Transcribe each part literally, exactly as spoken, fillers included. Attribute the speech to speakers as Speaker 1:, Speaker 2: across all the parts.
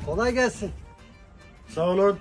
Speaker 1: Kolay gelsin.
Speaker 2: Sağ olun.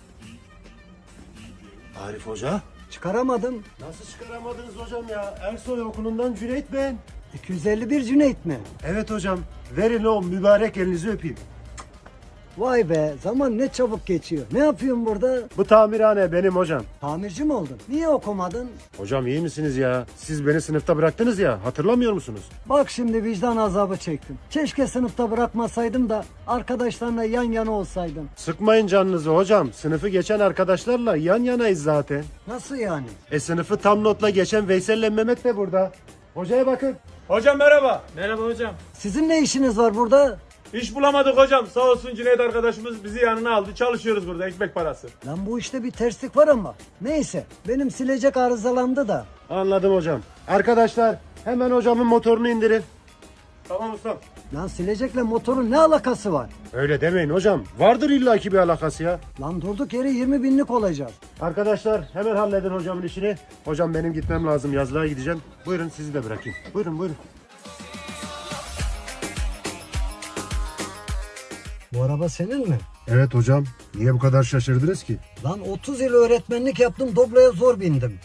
Speaker 2: Arif Hoca.
Speaker 1: Çıkaramadım.
Speaker 2: Nasıl çıkaramadınız hocam ya? Ersoy okulundan Cüneyt ben.
Speaker 1: iki yüz elli bir Cüneyt mi?
Speaker 2: Evet hocam. Verin o mübarek elinizi öpeyim.
Speaker 1: Vay be, zaman ne çabuk geçiyor. Ne yapıyorsun burada?
Speaker 2: Bu tamirhane benim hocam.
Speaker 1: Tamirci mi oldun? Niye okumadın?
Speaker 2: Hocam iyi misiniz ya? Siz beni sınıfta bıraktınız ya. Hatırlamıyor musunuz?
Speaker 1: Bak şimdi vicdan azabı çektim. Keşke sınıfta bırakmasaydım da arkadaşlarla yan yana olsaydım.
Speaker 2: Sıkmayın canınızı hocam. Sınıfı geçen arkadaşlarla yan yanayız zaten.
Speaker 1: Nasıl yani?
Speaker 2: E sınıfı tam notla geçen Veysel'le Mehmet de burada. Hocaya bakın.
Speaker 3: Hocam merhaba. Merhaba hocam.
Speaker 1: Sizin ne işiniz var burada?
Speaker 3: İş bulamadık hocam. Sağ olsun Cüneyt arkadaşımız bizi yanına aldı. Çalışıyoruz burada ekmek parası.
Speaker 1: Lan bu işte bir terslik var ama. Neyse, benim silecek arızalandı da.
Speaker 2: Anladım hocam. Arkadaşlar hemen hocamın motorunu indirin.
Speaker 3: Tamam ustam.
Speaker 1: Lan silecekle motorun ne alakası var?
Speaker 2: Öyle demeyin hocam. Vardır illaki bir alakası ya.
Speaker 1: Lan durduk yere yirmi binlik olacağız.
Speaker 2: Arkadaşlar hemen halledin hocamın işini. Hocam benim gitmem lazım. Yazlığa gideceğim. Buyurun sizi de bırakayım. Buyurun buyurun.
Speaker 1: Bu araba senin mi?
Speaker 2: Evet hocam. Niye bu kadar şaşırdınız ki?
Speaker 1: Lan otuz yıl öğretmenlik yaptım, Doblo'ya zor bindim.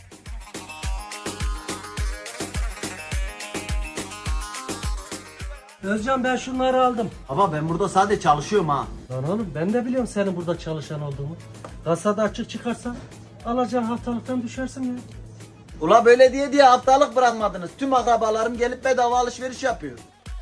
Speaker 4: Özcan ben şunları aldım.
Speaker 5: Ama ben burada sadece çalışıyorum ha.
Speaker 4: Lan oğlum ben de biliyorum senin burada çalışan olduğumu. Kasada açık çıkarsan alacağın haftalıktan düşersin ya.
Speaker 5: Ula böyle diye diye haftalık bırakmadınız. Tüm akrabalarım gelip bedava alışveriş yapıyor.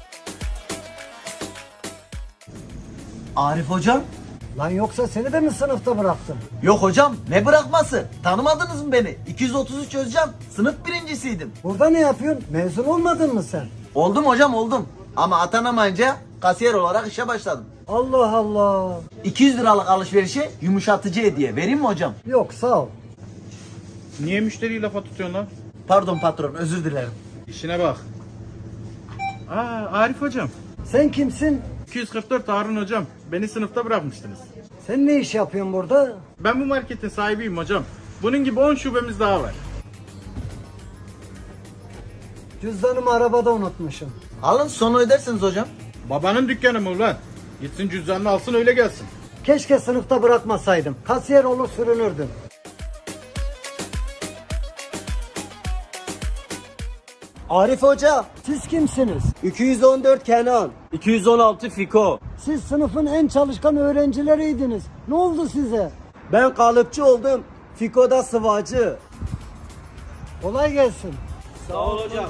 Speaker 5: Arif hocam?
Speaker 1: Lan yoksa seni de mi sınıfta bıraktım?
Speaker 5: Yok hocam, ne bırakması? Tanımadınız mı beni? iki yüz otuz üç Özcan, sınıf birincisiydim.
Speaker 1: Burada ne yapıyorsun? Mezun olmadın mı sen?
Speaker 5: Oldum hocam oldum. Ama atanamayınca kasiyer olarak işe başladım.
Speaker 1: Allah Allah.
Speaker 5: iki yüz liralık alışverişe yumuşatıcı hediye. Vereyim mi hocam?
Speaker 1: Yok sağ ol.
Speaker 3: Niye müşteriyi lafa tutuyorsun lan?
Speaker 5: Pardon patron, özür dilerim.
Speaker 3: İşine bak. Aa Arif hocam.
Speaker 1: Sen kimsin?
Speaker 3: iki yüz kırk dört Harun hocam. Beni sınıfta bırakmıştınız.
Speaker 1: Sen ne iş yapıyorsun burada?
Speaker 3: Ben bu marketin sahibiyim hocam. Bunun gibi on şubemiz daha var.
Speaker 1: Cüzdanımı arabada unutmuşum.
Speaker 5: Alın sonra ödersiniz hocam.
Speaker 3: Babanın dükkanı mı ulan? Gitsin cüzdanını alsın öyle gelsin.
Speaker 1: Keşke sınıfta bırakmasaydım. Kasiyer olur sürünürdüm.
Speaker 6: Arif Hoca,
Speaker 1: Siz kimsiniz?
Speaker 6: iki yüz on dört Kenan, iki yüz on altı Fiko.
Speaker 1: Siz sınıfın en çalışkan öğrencileriydiniz. Ne oldu size?
Speaker 6: Ben kalıpçı oldum, Fiko da sıvacı.
Speaker 1: Kolay gelsin.
Speaker 6: Sağ ol hocam.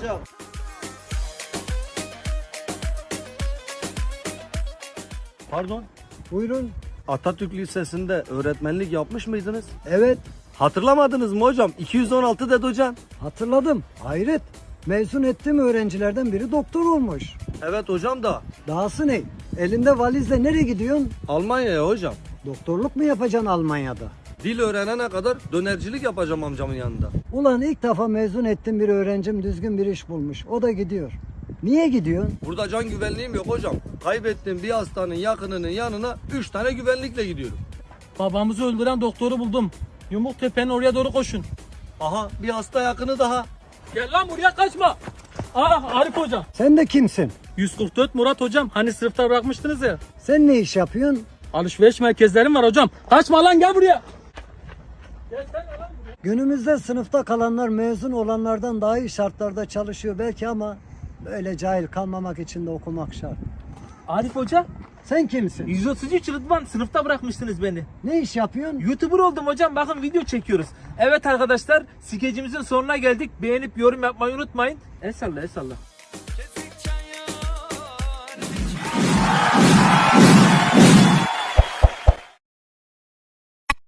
Speaker 7: Pardon,
Speaker 1: Buyurun.
Speaker 7: Atatürk Lisesi'nde öğretmenlik yapmış mıydınız?
Speaker 1: Evet,
Speaker 7: Hatırlamadınız mı hocam? iki yüz on altı dedi hocam.
Speaker 1: hatırladım. Hayret. Mezun ettiğim öğrencilerden biri doktor olmuş.
Speaker 7: Evet hocam da
Speaker 1: Dahası ne? Elinde valizle nereye gidiyorsun?
Speaker 7: Almanya'ya hocam.
Speaker 1: Doktorluk mu yapacaksın Almanya'da?
Speaker 7: Dil öğrenene kadar dönercilik yapacağım amcamın yanında.
Speaker 1: Ulan ilk defa mezun ettiğim bir öğrencim düzgün bir iş bulmuş. O da gidiyor. Niye gidiyorsun?
Speaker 7: Burada can güvenliğim yok hocam. Kaybettiğim bir hastanın yakınının yanına üç tane güvenlikle gidiyorum.
Speaker 4: Babamızı öldüren doktoru buldum. Yumuk tepenin oraya doğru koşun.
Speaker 7: Aha bir hasta yakını daha.
Speaker 4: Gel lan buraya kaçma. Aa Arif hocam.
Speaker 1: Sen de kimsin?
Speaker 4: yüz kırk dört Murat hocam. Hani sınıfta bırakmıştınız ya.
Speaker 1: Sen ne iş yapıyorsun?
Speaker 4: Alışveriş merkezlerim var hocam. Kaçma lan gel buraya. Gel sen lan buraya.
Speaker 1: Günümüzde sınıfta kalanlar mezun olanlardan daha iyi şartlarda çalışıyor belki ama böyle cahil kalmamak için de okumak şart.
Speaker 4: Arif hoca.
Speaker 1: Sen kimsin?
Speaker 4: yüz otuz üç Rıdvan sınıfta bırakmıştınız beni.
Speaker 1: Ne iş yapıyorsun?
Speaker 4: YouTuber oldum hocam. Bakın video çekiyoruz. Evet arkadaşlar skecimizin sonuna geldik. Beğenip yorum yapmayı unutmayın. El salla el salla.